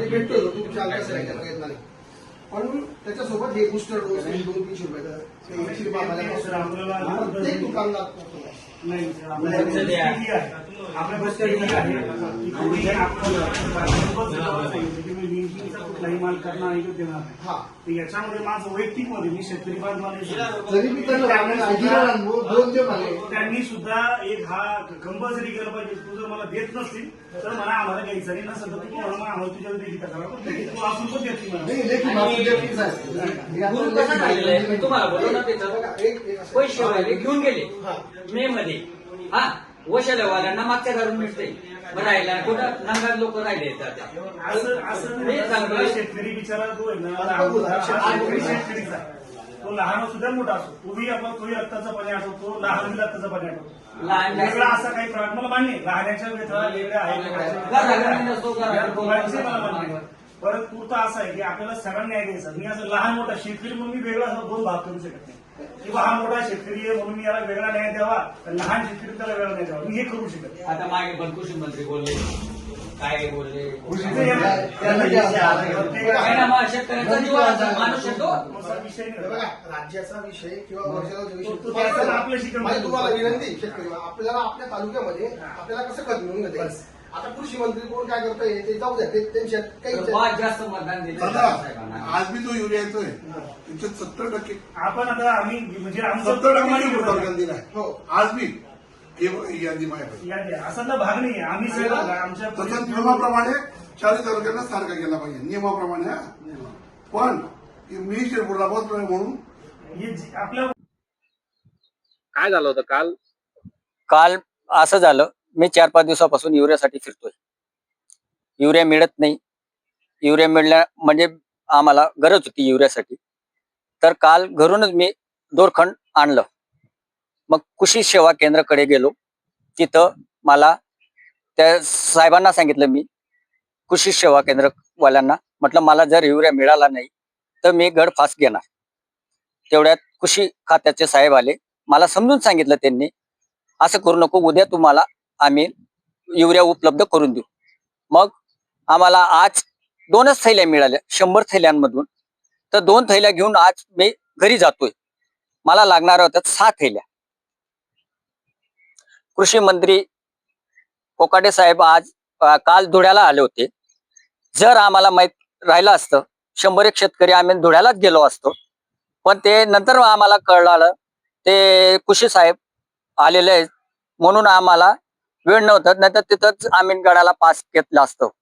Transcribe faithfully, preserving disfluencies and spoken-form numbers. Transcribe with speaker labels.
Speaker 1: भेटतो तुमच्या कसं आहे प्रयत्न नाही पण त्याच्यासोबत हे बुस्टर डोस दोन तीनशे रुपये दुकानदार
Speaker 2: नाही आपल्या बस आहे कुठलाही माल करणार नाही किंवा देणार नाही. याच्यामध्ये माझं वैयक्तिक मध्ये मी शेतकरी त्यांनी सुद्धा एक हा कंपल्सरी केला पाहिजे. तू जर मला देत नसतील तर मला आम्हाला घ्यायचं नाही नसेल तर तू मला आम्हाला तुझ्या लेखी तक्रार तू असून पण देत
Speaker 3: नाही. तुम्हाला बोलू ना त्याचं पैसे वगैरे घेऊन गेले मे मध्ये हा वशालेवाल्यांना मागच्या घरून मिळते राहिला कुठं नंगात लोक राहिले
Speaker 2: असं असं शेतकरी बिचारा तो शेतकरी शेतकरीचा तो लहान सुद्धा मोठा असतो तोही आपण तोही रक्ताचा पाणी आठवतो तो लहान रक्ताचा पाणी आठवतो वेगळा असा काही प्रकार मला मान्य लहानाच्या व्यथा वेगळ्या आहेत मला मान्य. परत पुरता असं आहे की आपल्याला सगळ्यांना न्याय द्यायचा. मी असं लहान मोठा शेतकरी म्हणून मी वेगळा दोन भाग करू शकत नाही किंवा हा मोठा शेतकरी आहे म्हणून मी याला वेगळा न्याय द्यावा लहान शेतकरी त्याला वेगळा न्याय द्यावा मी हे करू शकत नाही.
Speaker 3: आता मागे पण कृषी मंत्री बोलले काय बोलले
Speaker 1: राज्याचा विषय किंवा वर्षाचा विषय तुम्हाला विनंती शेतकरी आपल्याला आपल्या तालुक्यामध्ये आपल्याला कसं खत मिळून घेते. आता कृषी मंत्री कोण काय करतोय ते जाऊ द्या ते त्यांच्यात काही
Speaker 3: जास्त मतदान दिलं
Speaker 4: आज मी जो युरिया येतोय त्याच्यात सत्तर टक्के
Speaker 2: आपण आता आम्ही म्हणजे
Speaker 4: सत्तर टक्के दिलाय आज मी यादी
Speaker 2: माहिती असा भाग नाही आम्ही आमच्या
Speaker 4: तसंच नियमाप्रमाणे चारही तालुक्यांना सारखा केला पाहिजे नियमाप्रमाणे. पण मी शिरपूरला बसलोय म्हणून
Speaker 2: आपल्या
Speaker 5: काय झालं होतं काल
Speaker 6: काल असं झालं मी चार पाच दिवसापासून युरियासाठी फिरतोय. युरिया मिळत नाही. युरिया मिळण्या म्हणजे आम्हाला गरज होती युरियासाठी. तर काल घरूनच मी दोरखंड आणलं. मग कृषी सेवा केंद्राकडे गेलो. तिथं मला त्या साहेबांना सांगितलं मी कृषी सेवा केंद्रवाल्यांना म्हटलं मला जर युरिया मिळाला नाही तर मी गड फास घेणार. तेवढ्यात कृषी खात्याचे साहेब आले. मला समजून सांगितलं त्यांनी असं करू नको उद्या तुम्हाला आम्ही युरिया उपलब्ध करून देऊ. मग आम्हाला आज दोनच थैल्या मिळाल्या शंभर थैल्यांमधून. तर दोन थैल्या घेऊन आज मी घरी जातोय. मला लागणार होत्या सहा थैल्या. कृषी मंत्री कोकाटे साहेब आज काल धुळ्याला आले होते. जर आम्हाला माहित राहिलं असतं शंभर एक शेतकरी आम्ही धुळ्यालाच गेलो असतो. पण ते नंतर आम्हाला कळलं ते कृषी साहेब आलेले आहेत म्हणून आम्हाला वेळ नव्हता. नाही तर तिथंच आम्ही गडाला पास घेतलं असतं.